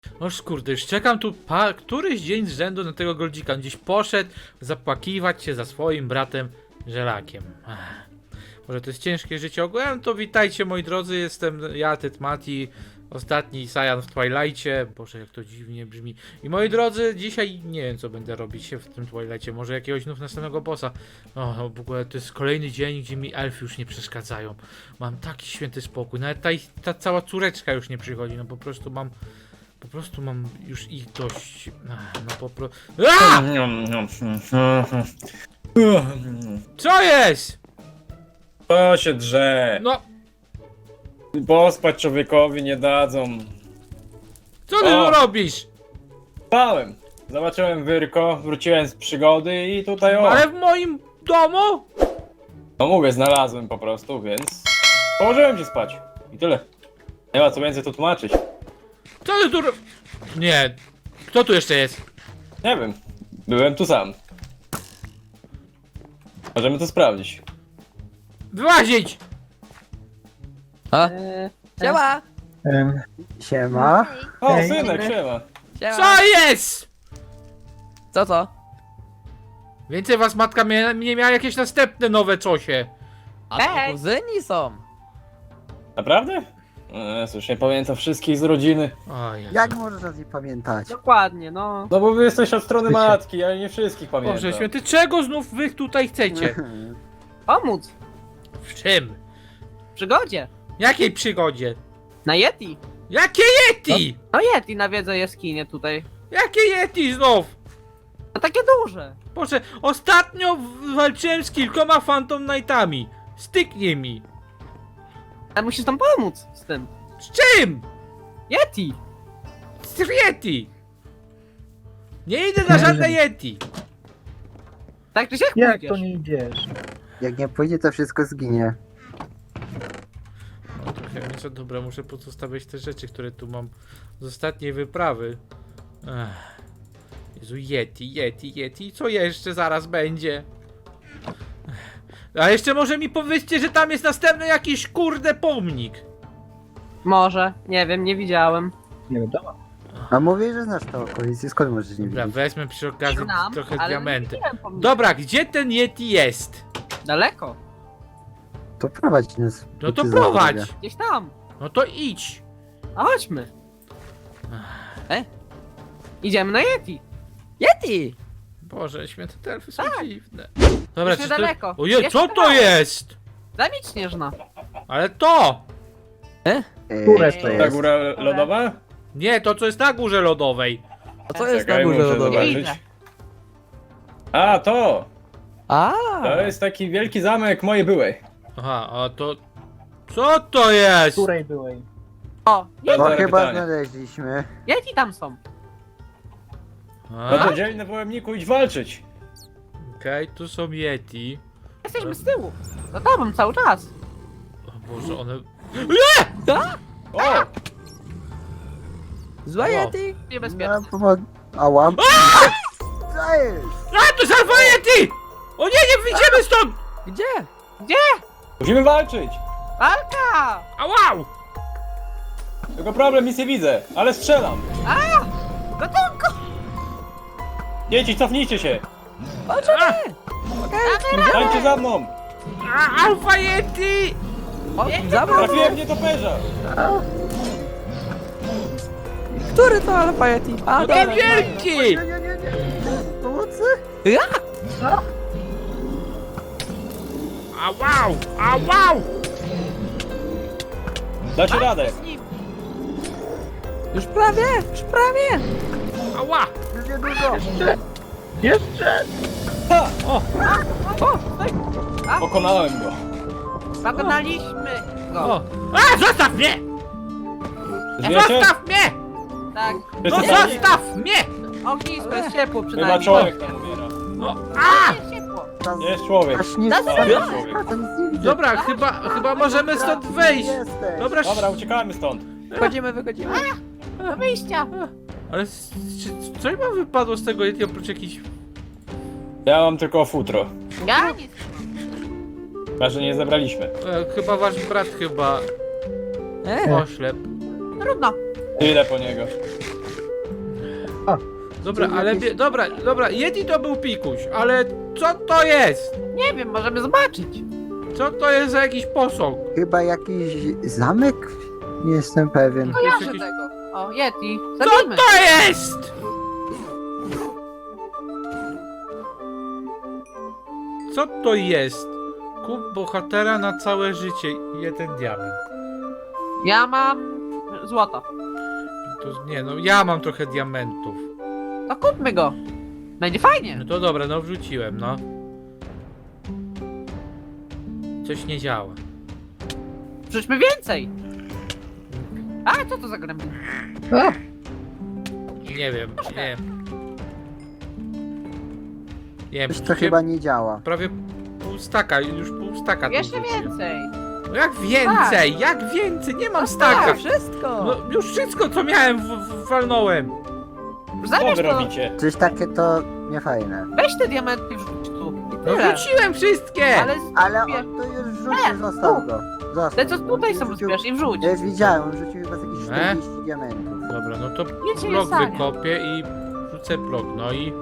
Noż kurde, już czekam tu któryś dzień z rzędu na tego Goldzika. On gdzieś poszedł zapłakiwać się za swoim bratem Żelakiem. Może to jest ciężkie życie ogółem, to witajcie moi drodzy, jestem ja, Tytmati, ostatni Saiyan w Twilightie. Boże, jak to dziwnie brzmi. I moi drodzy, dzisiaj nie wiem co będę robić się w tym Twilightie, może jakiegoś znów następnego bossa. O, w ogóle to jest kolejny dzień, gdzie mi elfy już nie przeszkadzają. Mam taki święty spokój, nawet ta cała córeczka już nie przychodzi, no po prostu mam już ich dość. No po prostu. Co jest? To się drze. No, Pospać człowiekowi nie dadzą. co ty tu robisz? Spałem. Zobaczyłem wyrko, wróciłem z przygody i tutaj Ale w moim domu? No mówię, znalazłem po prostu, więc położyłem się spać. I tyle. Nie ma co więcej tu tłumaczyć. Co ty tu Nie. Kto tu jeszcze jest? Nie wiem. Byłem tu sam. Możemy to sprawdzić. Wyłazić! A? Siema! Siema. O, Hej. synek, siema. Siema! Co jest? Co? Więcej was matka nie miała jakieś następne nowe cosie. A to kuzyni są! Naprawdę? Cóż, nie pamiętam wszystkich z rodziny. O Jezu. Jak możesz nas nie pamiętać? Dokładnie, no. No bo wy jesteś od strony matki, ale nie wszystkich pamiętam. Boże święty, czego znów wy tutaj chcecie? Pomóc. W czym? W przygodzie. Jakiej przygodzie? Na Yeti. Jakie Yeti? No Yeti nawiedza jaskinię tutaj. Jakie Yeti znów? No takie duże. Boże, ostatnio walczyłem z kilkoma Phantom Knightami. Styknie mi. Ale musisz tam pomóc z tym. Z czym? Yeti. Z Yeti. Nie idę na żadne Yeti. Tak czy siak Jak pójdziesz. to nie idziesz? Jak nie pójdzie, to wszystko zginie. No trochę nieco dobra, muszę pozostawiać te rzeczy, które tu mam z ostatniej wyprawy. Ech. Jezu, Yeti, co jeszcze zaraz będzie? A jeszcze może mi powiedzcie, że tam jest następny jakiś kurde pomnik. Może. Nie wiem, nie widziałem. Nie wiadomo. A mówię, że znasz to okolicy, skąd możesz nie Dobra, wiedzieć? wezmę przy okazji Znam, trochę ale diamenty. nie widziałem pomnika. Dobra, gdzie ten Yeti jest? Daleko. To prowadź nas. No to Ty prowadź. zawodzę. Gdzieś tam. No to idź. A chodźmy. Idziemy na Yeti. Yeti! Boże, święte te elfy są dziwne. Dobra, Jeszcze czy to... daleko. Ojej, Jeszcze co to kawałek. jest? Zamieć śnieżna. Ale to! Które to to Ta jest? góra lodowa? Nie, to co jest na górze lodowej. A co jest Czekaj, na górze muszę lodowej? zobaczyć. A, to! A! To jest taki wielki zamek mojej byłej. Aha, a to... Co to jest? Której byłej? O, Bo Dobre chyba pytanie. znaleźliśmy. Yeti tam są. A? No to dzielny na pojemniku, idź walczyć. Okej, tu są Yeti. Jesteśmy z tyłu. Za tobą cały czas. O Boże, one... O! Zła O. Yeti! Niebezpieczne. No, Ała. Co jest? A, to jest Alpha Yeti! O nie, nie wyjdziemy stąd! Gdzie? Musimy walczyć! Walka! A wow! Tylko problem, nic nie widzę, ale strzelam! Gatunku! Dzieci, cofnijcie się! A, Stańcie za mną! Alpha Yeti! O, zabrał! Trafiłem w nietoperza! Który to Alpha Yeti? A, No dobra. ten wielki! Nie. Pomocy? Ja! A wow! Dacie radę! Z nim. Już prawie! Ała! Już niedużo. Jeszcze! Ha! O! Pokonałem go! Pokonaliśmy go. O! A, zostaw mnie! Żyjecie? Zostaw mnie! Tak. No Wszyscy sami? zostaw mnie! Ognisko jest ciepło Chyba przynajmniej. człowiek tam umiera. No, a! Jest ciepło. Jest człowiek. Aż nie A, jest człowiek. to nic nie widzę. Dobra, chyba możemy stąd wyjść. Jesteś. Dobra, Dobra, uciekamy stąd. Wychodzimy. Do wyjścia. ale co mi wypadło z tego Yeti oprócz jakichś... Ja mam tylko futro. Ja nic. Chyba, że nie zebraliśmy. Chyba wasz brat chyba... Oślep. Trudno. Idę po niego. Dobra, Czy ale... jakieś- Dobra, Yeti to był pikuś, ale co to jest? Nie wiem, możemy zobaczyć. Co to jest za jakiś posąg? Chyba jakiś zamek? Nie jestem pewien. Kojarzę jakiś- tego. O, Yeti. Co Zabijmy. to jest? Co to jest? Kup bohatera na całe życie. 1 diament. Ja mam złoto. To nie, no ja mam trochę diamentów. To kupmy go. Będzie fajnie. No to dobra, no wrzuciłem, no. Coś nie działa. Wrzućmy więcej. A, co to za gremlin? Nie wiem, nie. Nie wiem, Coś to wrzuciłem chyba nie działa. prawie pół staka, już pół staka tu Jeszcze wrzuciłem. więcej. No jak więcej? Jak więcej? Nie mam Tak, staka. wszystko! No już wszystko co miałem walnąłem. Co Zabierz wy to. robicie? Coś takie to niefajne. Weź te diamenty i wrzuć tu. I No tyle. wrzuciłem wszystkie. Ale Ale zbierz. on to już rzucił, został go. Został Te co go. tutaj On są rzucił- zbierz i wrzuć. Ja już widziałem, on rzucił chyba z jakieś E? 40 diamentów. Dobra, no to Nic się nie blok stanie. wykopię i wrzucę blok, no i...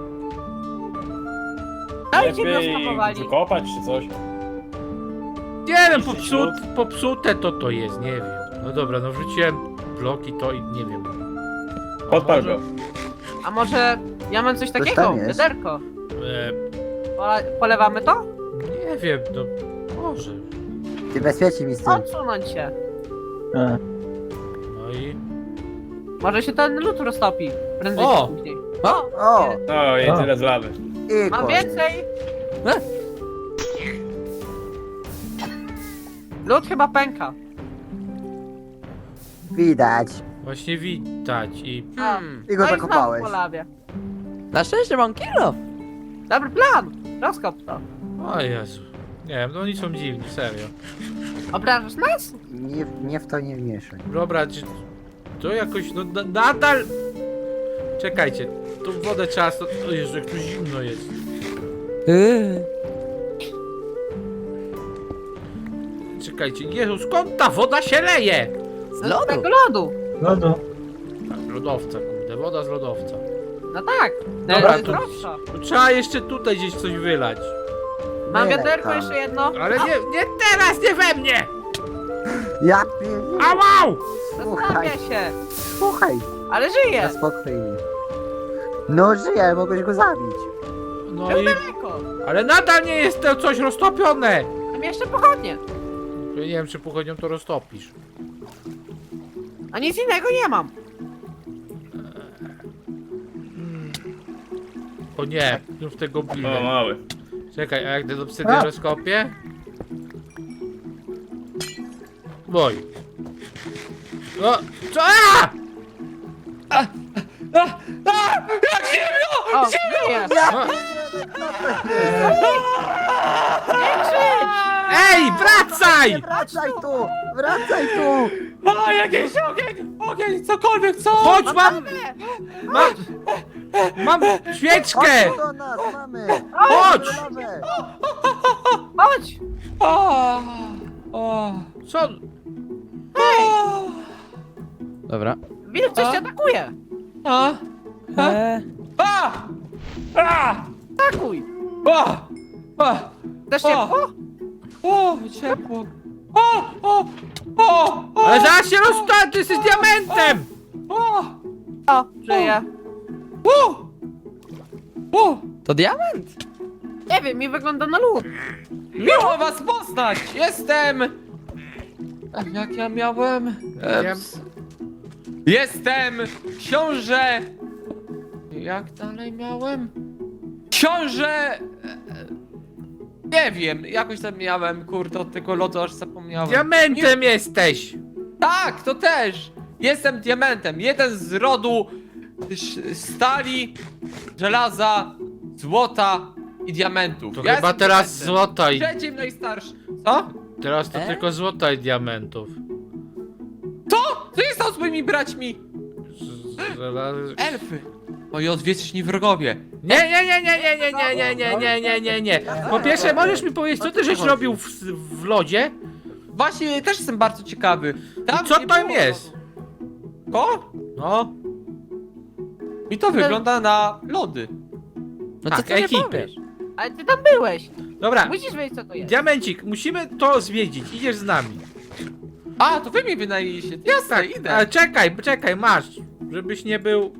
Dajcie Lepiej wioska powali. wykopać czy coś? Nie wiem, Niszczyć lód? popsute to jest, nie wiem. No dobra, no wrzuciłem bloki to i nie wiem. A Podpal może- go. A może ja mam coś takiego? tam jest. Wiaderko. E, Polewamy to? nie wiem, no może. Ty bezpieczniej mi z tym. Odsunąć się. No i... Może się ten lód roztopi. Prędzej O! czy później. O! No i tyle z lawy. I Mam koniec. więcej! Lód chyba pęka. Widać. Właśnie widać i... I go No i zakopałeś. znowu po lawie. Na szczęście mam kilo! Dobry plan! Rozkop to. O Jezu. Nie wiem, no oni są dziwni, serio. Obrażasz nas? Nie w to nie wmieszaj. Dobra, czy... To jakoś, no nadal... Czekajcie, tu wodę trzeba... O Jezu, jak tu zimno jest. Czekajcie, Jezu, skąd ta woda się leje? Z lodu! Tego lodu! Lodu. Tak, lodowca, kurde, woda z lodowca. No tak. Dobra, jest to- droższa. Tu trzeba jeszcze tutaj gdzieś coś wylać. Mam Wylej wiaderko tam. jeszcze jedno. Ale nie teraz, nie we mnie! Ja pierdolę. Ałał! Zastanawia się. Słuchaj, Ale na żyje. spokojnie. No żyje, ale mogłeś go zabić. No i... Daleko. Ale nadal nie jest to coś roztopione! Mam jeszcze pochodnie. Ja nie wiem, czy pochodnią to roztopisz. A nic innego nie mam. O nie, już tego O, bilę. mały. Czekaj, a jak ten obsydian rozkopię? Boj. No, co? O, żyje. No. Nie krzycz. Ej, wracaj! Wracaj tu! Wracaj tu! A, jakiś ogień! Ogień, cokolwiek, co? Chodź, mam świeczkę! Chodź do nas, mamy! Chodź! Lawę. Chodź. Co? Dobra. Wilk coś cię atakuje. Atakuj. Też ciepło? Ale zaraz się rozstać, ty jesteś diamentem! O, żyje. To diament? Nie wiem, mi wygląda na lód. Miło was poznać! Jestem... Jak ja miałem? Jestem książę... Jak dalej miałem? Książę... Nie wiem, jakoś tam miałem, kurde, od tego lodu aż zapomniałem. Diamentem jesteś! Tak, to też! Jestem diamentem, jeden z rodu stali, żelaza, złota i diamentów. To Ja chyba jestem teraz diamentem. złota i... Trzecim najstarszy. Co? Teraz to tylko złota i diamentów. Co jest tam z moimi braćmi? Elfy! Moi odwieczni wrogowie. Nie. Po pierwsze, możesz mi powiedzieć, co ty żeś robił w lodzie? Właśnie też jestem bardzo ciekawy. I co nie tam było jest? lodu. Ko? No, I to wygląda na lody. No Tak, co ty nie ekipy. powiesz? Ale ty tam byłeś. Dobra, Musisz wiedzieć, co to jest. Diamencik, musimy to zwiedzić. Idziesz z nami. A, to wy mi wynajęliście. Jasne, idę. Ale czekaj, masz. Żebyś nie był...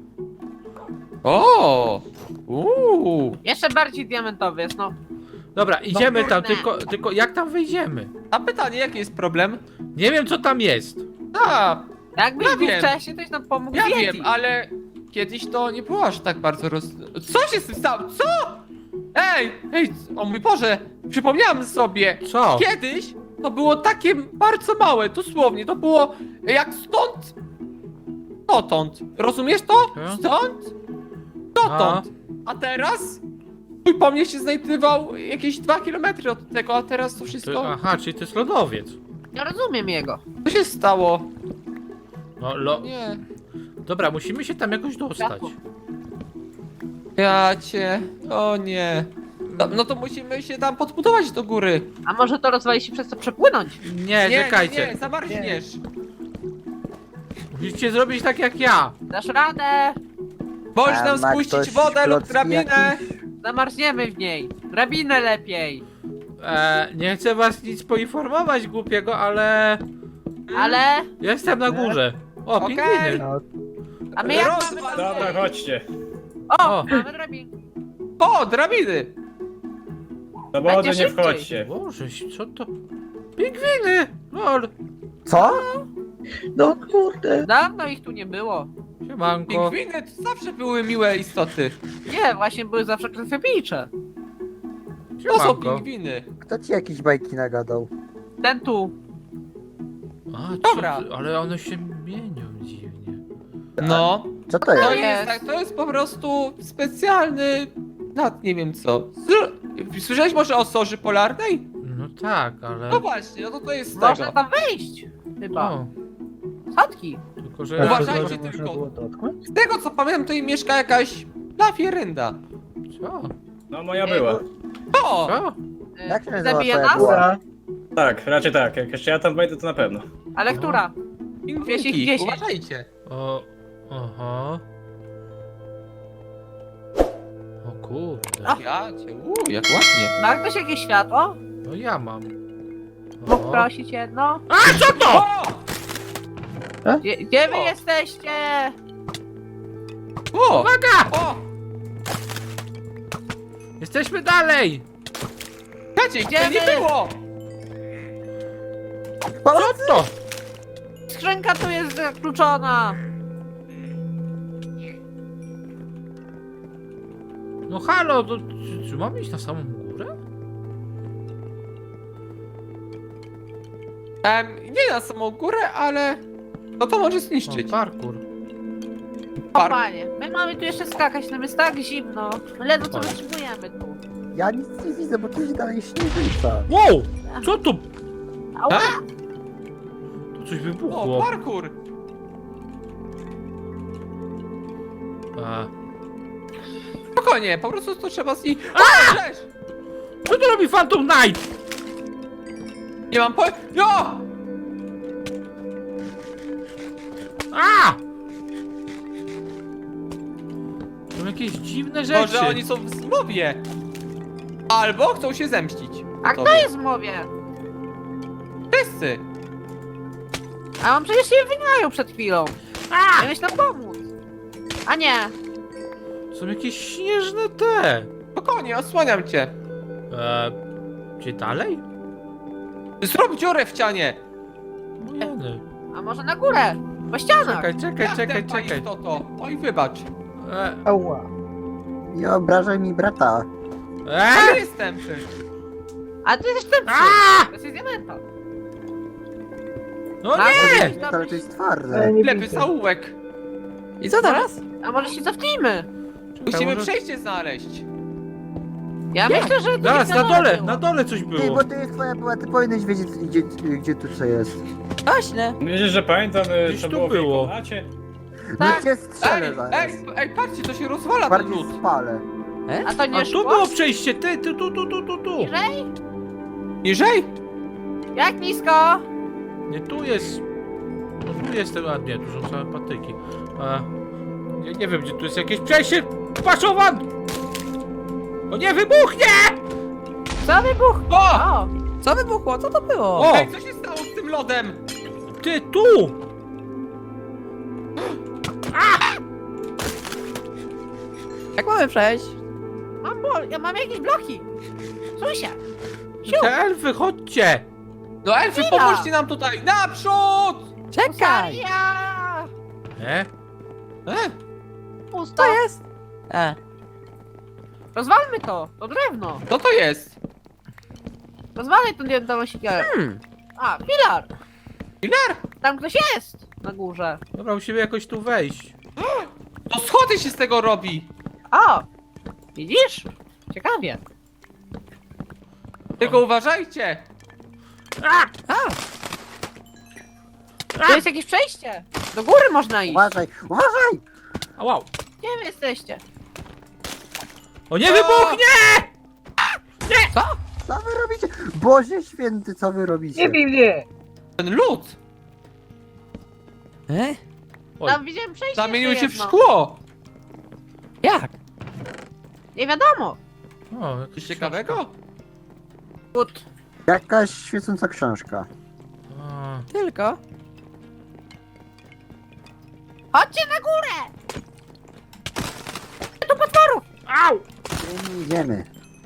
O! Jeszcze bardziej diamentowy jest, no. Dobra, idziemy tam, kurde. tylko jak tam wejdziemy? A pytanie, jaki jest problem? Nie wiem, co tam jest. A, Jakbyś Ja był wiem. wcześniej, toś nam pomógł ja wiedzieć. wiem, ale kiedyś to nie było aż tak bardzo Co się z tym stało? Co? Ej, o mój Boże, przypomniałem sobie. Co? Kiedyś to było takie bardzo małe, dosłownie, to było jak stąd, dotąd. Rozumiesz to? Hmm? Stąd, dotąd. A teraz? Mój pomnik się znajdował jakieś 2 km od tego, a teraz to wszystko... Aha, czyli to jest lodowiec. Nie rozumiem jego. Co się stało? No, Nie. Dobra, musimy się tam jakoś dostać. Ja cię... O nie. No to musimy się tam podbudować do góry. A może to rozwali się przez to przepłynąć? Nie, czekajcie. Nie, zamarzniesz. Musicie zrobić tak jak ja. Dasz radę. Możesz A nam ma spuścić ktoś wodę lub klocki drabinę. jakieś? Zamarzniemy w niej. Drabinę lepiej. Nie chcę was nic poinformować głupiego, ale... Ale... Jestem na górze. O, Okej. pingwiny. No, A my jak Rozwal mamy to. Dobra, chodźcie. O, O. mamy drabinkę. O, drabiny. Do wody Będzie nie szybciej. wchodźcie. Boże, co to? Pingwiny! Lol. co? No kurde. Dawno ich tu nie było. Siemanko. Pingwiny to zawsze były miłe istoty. Nie, właśnie były zawsze krwiopijcze. To są Siemanko. pingwiny. Kto ci jakieś bajki nagadał? Ten tu. A, Dobra. ale one się mienią dziwnie. No. Co to To jest? jest, tak, to jest po prostu specjalny... nie wiem co. Słyszałeś może o soży polarnej? No tak, ale... No właśnie, no to jest z Można tego. tam wejść. Chyba. O, Schodki. tylko że... Uważajcie Można tylko. było dotknąć? Z tego co pamiętam, to im mieszka jakaś lafierynda. Co? No moja była. O! Co? Jak się nazywa Zabije twoja nas? była? Dobra. Tak, raczej tak. Jak jeszcze ja tam wejdę, to na pewno. Ale która? Pingwinki, 10. uważajcie. O... Aha. O kurde. Ja cię, jak ładnie. Ma ktoś jakieś światło? No ja mam. Mógł O. prosić jedno? A, co to? O! Gdzie wy O. jesteście? O! Uwaga! O! Jesteśmy dalej! Kacie, gdzie nie Idziemy. było! Co to? Skrzynka tu jest zakluczona. No halo, to... Czy mamy iść na samą górę? Nie na samą górę, ale... No to może O, zniszczyć. parkour. Par- Panie, my mamy tu jeszcze skakać, nam jest tak zimno. My ledwo co Fajnie. wytrzymujemy tu. Ja nic nie widzę, bo tu się dalej śnieżyca. Wow! Co tu? Ała! Tu coś O, wybuchło. parkour! A, Spokojnie, po prostu to trzeba z niej... O, cześć! co tu robi Phantom Knight? Nie mam po... Jo! A! Są jakieś dziwne rzeczy. Może oni są w zmowie. Albo chcą się zemścić. A Tobie. kto jest w mowie? Wszyscy. A on przecież się wyniają przed chwilą. A! Miałeś nam pomóc. A nie. Są jakieś śnieżne te. Spokojnie, osłaniam cię. Gdzie dalej? Zrób dziurę w ścianie. No jeny. A może na górę? Po ścianach. Czekaj. Istoto. Oj, wybacz. Ała. Nie obrażaj mi brata. Ale jestem ty. A ty jesteś ten A! To jest diamenta. No A, nie! może Ale to jest Ale twarde. nie Lewy widzę. zaułek. I co teraz? A może się cofnijmy? Musimy może- przejście znaleźć. Ja myślę, że... tu Zaraz, gdzieś na dole, było. na dole coś Ty, było. bo to jest twoja była, ty powinieneś wiedzieć gdzie tu co jest. Właśnie. Wiesz, że pamiętam, Gdzieś co tu było w było. Wilkołacie? Tak. No cię strzelę Ej, zaraz. ej, patrzcie, to się rozwala ten Bardziej lód. spalę. A to nie A tu szło? było przejście, ty, tu. Niżej? Niżej? Jak nisko? Nie, tu jest... No tu jest ten, a nie, tu są same patyki. Ja nie wiem, gdzie tu jest jakieś przejście. Paszowan! O nie, wybuchnie! Co wybuch? O! O! Co wybuchło? Co to było? O! Ej, co się stało z tym lodem? Ty, tu! Jak mamy przejść? Ja mam jakieś bloki! Susia! Te elfy, chodźcie! No elfy, Chwila. pomóżcie nam tutaj! Naprzód! Czekaj! Ja! E? Pusto! To jest? Rozwalmy to drewno! Co to jest? Rozwalaj tą jedną siekierę. A, filar! Filar? Tam ktoś jest! Na górze. Dobra, musimy jakoś tu wejść. To schody się z tego robi! O! Widzisz? Ciekawie. Tylko uważajcie! To jest jakieś przejście! Do góry można iść! Uważaj, uważaj! A wow. Gdzie wy jesteście? O nie, wybuchnie! Co wy robicie? Boże święty, co wy robicie? Nie bij mnie! Ten lód Oj. Tam widziałem przejście zamienił jeszcze się w jedno. szkło! Jak? Nie wiadomo! O, jakieś Coś ciekawego? Gut. Jakaś świecąca książka. O, Tylko? Chodźcie na górę! Au! Idziemy.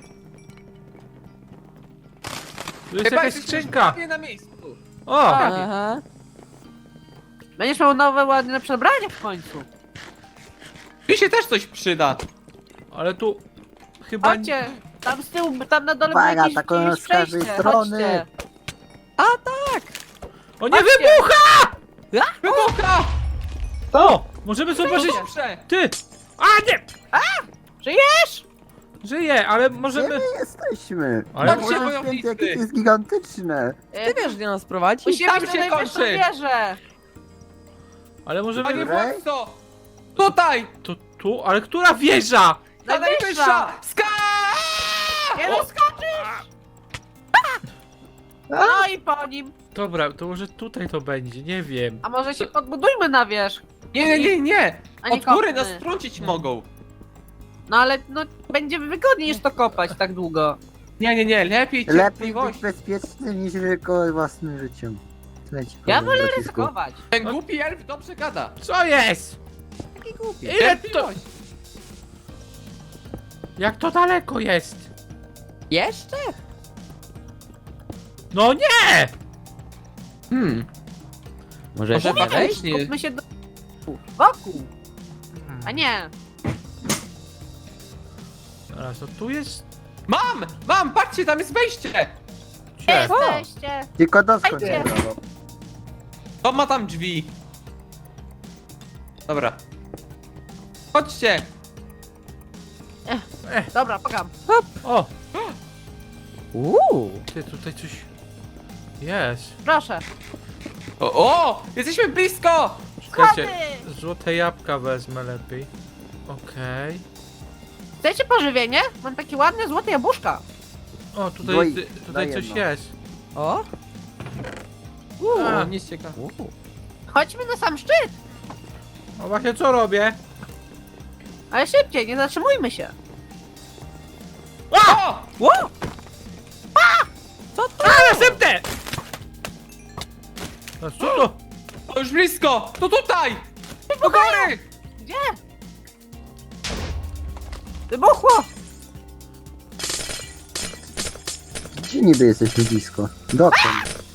Tu jest jakaś jesteśmy skrzynka. prawie na miejscu. O! Aha. Będziesz miał nowe ładne przebranie w końcu. Mi się też coś przyda. Ale tu chyba... Chodźcie! Tam z tyłu, tam na dole Uwaga, jakieś, taką jakieś z każdej przejście. strony. Chodźcie. O nie, Chodźcie. wybucha! Wybucha! O! Możemy zobaczyć... Dobrze! Ty! A nie! Żyjesz? Żyje, ale Gdzie możemy... my jesteśmy? Ale- Chodźcie, Boże wojownicy. święty, jakie to jest gigantyczne. Ty wiesz, gdzie nas prowadzi? Musimy tam iść się na najwyższą kończy. wieżę. Ale możemy... Panie Dobra. władco! Tutaj! To tu? Ale która wieża? Ta najwyższa! Ska! Nie doskoczysz! No i po nim. Dobra, to może tutaj to będzie, nie wiem. A może się podbudujmy na wierzch? Nie! A nie Od góry kopmy. nas trącić mogą. No ale no będzie wygodniej niż to kopać tak długo. Nie, lepiej Lepiej być cierpliwość. bezpieczny niż ryzykować własnym życiem. Leci Ja powiem, wolę bracisku. ryzykować. Ten głupi elf dobrze gada. Co jest? Taki głupi. Ile to... Cierpliwość. Jak to daleko jest? Jeszcze? No nie! Może Może jeszcze wejść? faktycznie. Skupmy się do... wokół. A nie. Zaraz, no tu jest... Mam! Patrzcie, tam jest wejście! Gdzie Gdzie? jesteście? Tylko doskąd Chodźcie. się dało. To ma tam drzwi. Dobra. Chodźcie! Dobra, pokam. O! Uuu. Ty, tutaj coś... Jest. Proszę. O! Jesteśmy blisko! Czekajcie, Schody! złote jabłka wezmę lepiej. Okej. Chcecie pożywienie? Mam takie ładne złote jabłuszka. O, tutaj, Daj- tutaj daj coś jedno. jest. O? A. Nic ciekawe. Chodźmy na sam szczyt. O, właśnie co robię? Ale szybciej, nie zatrzymujmy się. O! Wow. A, następne! A co to? To już blisko! To tutaj! Do góry! Gdzie? Wybuchło! Gdzie niby jesteśmy blisko? Dokąd?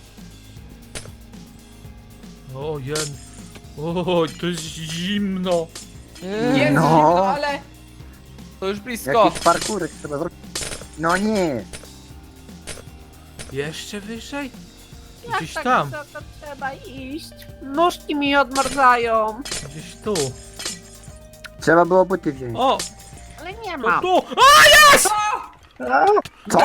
O, jen. O, to jest zimno. Jest No. zimno, ale... To już blisko. Jakiś parkurek trzeba zrobić. No nie! Jeszcze wyżej? Jak Gdzieś tak tam. wysoko trzeba iść? Nóżki mi odmarzają. Gdzieś tu. Trzeba było buty wziąć. O, Ale nie to mam. tu. O, jest! Co?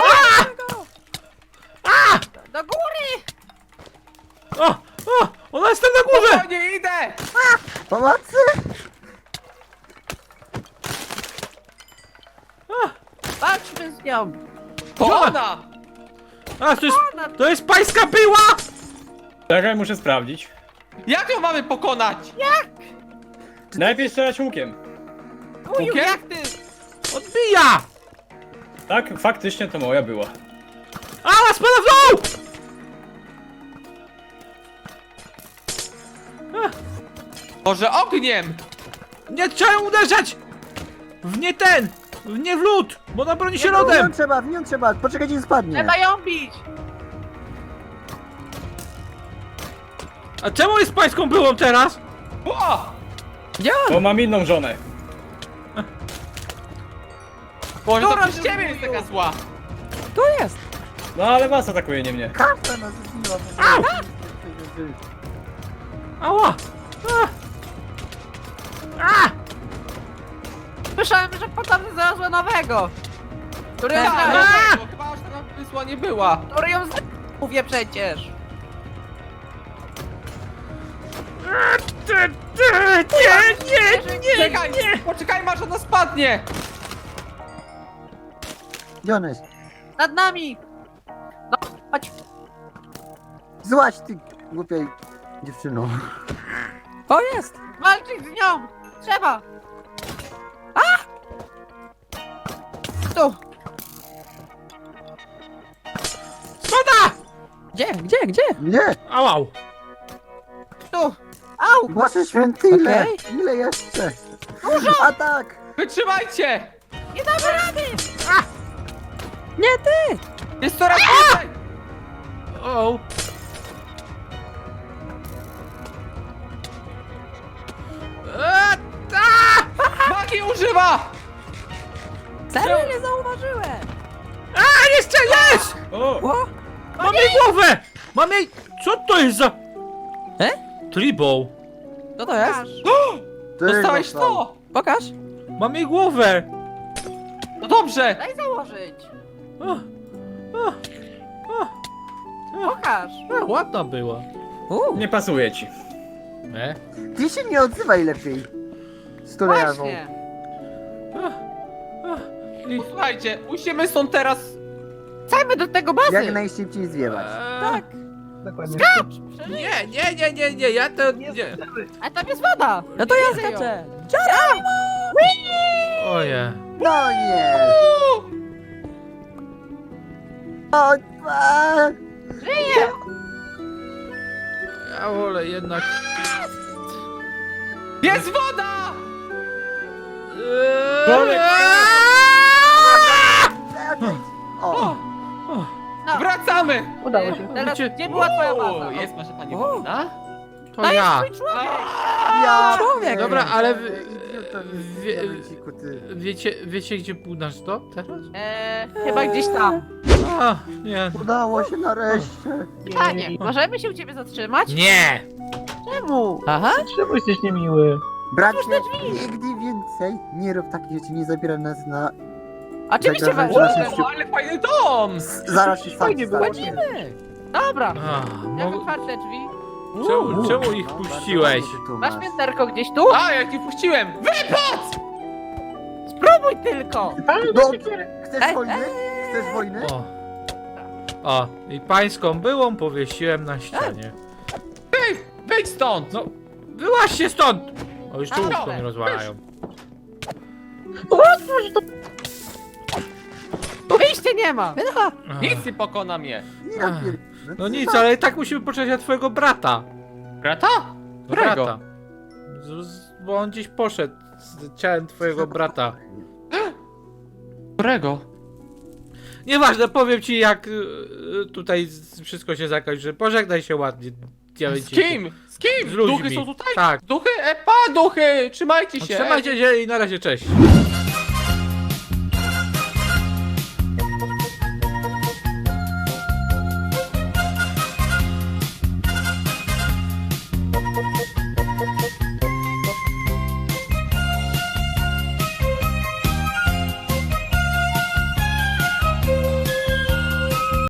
Do góry! O, ona jest tam na górze! O, nie idę! Pomocy! Walczmy z nią. To ona! A, to jest, Ona... to jest pańska była! Czekaj, muszę sprawdzić. Jak ją mamy pokonać? Najpierw strzelać łukiem. Uju, Łukiem? jak ty? Odbija! Tak, faktycznie to moja była. A, spada w dół! Może ogniem! Nie trzeba uderzać! W nie w lód! Bo ona broni się W lodem! nią trzeba, poczekajcie, spadnie. Trzeba ją bić! A czemu jest pańską byłą teraz? O! Gdzie on? Bo mam inną żonę. Boże, to Dobra, przez ciebie jest taka zła! Tu jest! No ale was atakuje, nie mnie. Każda nas zbiła. Ała! A! Słyszałem, że potem znalazła nowego! Który ją Tak, znalazł! no, bo chyba aż taka wysła nie była. Który ją znalazł! Mówię przecież! Nie! Czekaj, poczekaj, masz ona spadnie! Gdzie ona jest? Nad nami! No, chodź! Złaś ty głupiej dziewczyno. O, jest! Walczyć z nią! Trzeba! A! Tu! Spada! Gdzie? Nie! Ałał! Tu! Au! Boże święty, ile? Okej. Ile jeszcze? Dużo! Atak! Wytrzymajcie! Nie damy rady! Nie ty! Jest coraz więcej! O! Magii używa! Serio nie zauważyłem! A, jeszcze jest! O! O! Mam jej głowę! Mam jej... Co to jest za... Tribal. Co to jest? Ty Dostałeś dostał. to! Pokaż! Mam jej głowę! No dobrze! Daj założyć! O, Pokaż! ładna była. Nie pasuje ci. Ty się nie odzywaj lepiej. Stulejawą. Właśnie! I... Słuchajcie, musimy stąd teraz... Chcemy do tego bazy! Jak najszybciej zwiewać. Tak! Dokładnie. Nie, ja to... Nie. A tam jest woda! No to ja Widzę ją. skaczę! Oje. No nie! O, a, Żyje! Ja wolę jednak... Jest woda! Bolek! o, No, Wracamy! Udało się. teraz Wiecie- gdzie była twoja baza? O, jest nasza pani O. wolna? To To jest ja. twój człowiek! ja Człowiek. Dobra, ale wiecie gdzie był nasz dom teraz? Chyba gdzieś tam. A, nie. Udało się nareszcie. Panie, możemy się u ciebie zatrzymać? Nie! Czemu? Aha! Czemu jesteś niemiły? Bracie, nigdy więcej nie rób takich rzeczy, nie zabieraj nas na... Oczywiście Zagrożenie was. naszym O, ale fajny dom! Zaraz się sam Fajnie było. Chodzimy! Dobra, A, jak mo... otwarte drzwi? czemu ich puściłeś? Masz pięterko gdzieś tu? A, jak nie puściłem! Wypad! Spróbuj tylko! No, No, chcesz wojny? Chcesz wojny? O, i pańską byłą powiesiłem na ścianie. Wyjdź stąd! No, wyłaźcie stąd! O, już tu Dobra. łóżko mnie rozwalają. Wyjścia nie ma! Ach, Nic nie pokona mnie! Ja pier... No nic, ale i tak musimy poczekać na twojego brata. Brata? No, Którego? brata. Bo on gdzieś poszedł z ciałem twojego brata. Którego? Nieważne, powiem ci jak tutaj wszystko się zakończy. Pożegnaj się ładnie. Z kim? Z kim? Z ludźmi. Duchy są tutaj? Tak. Duchy? Duchy! Trzymajcie się! Trzymajcie się i na razie, cześć.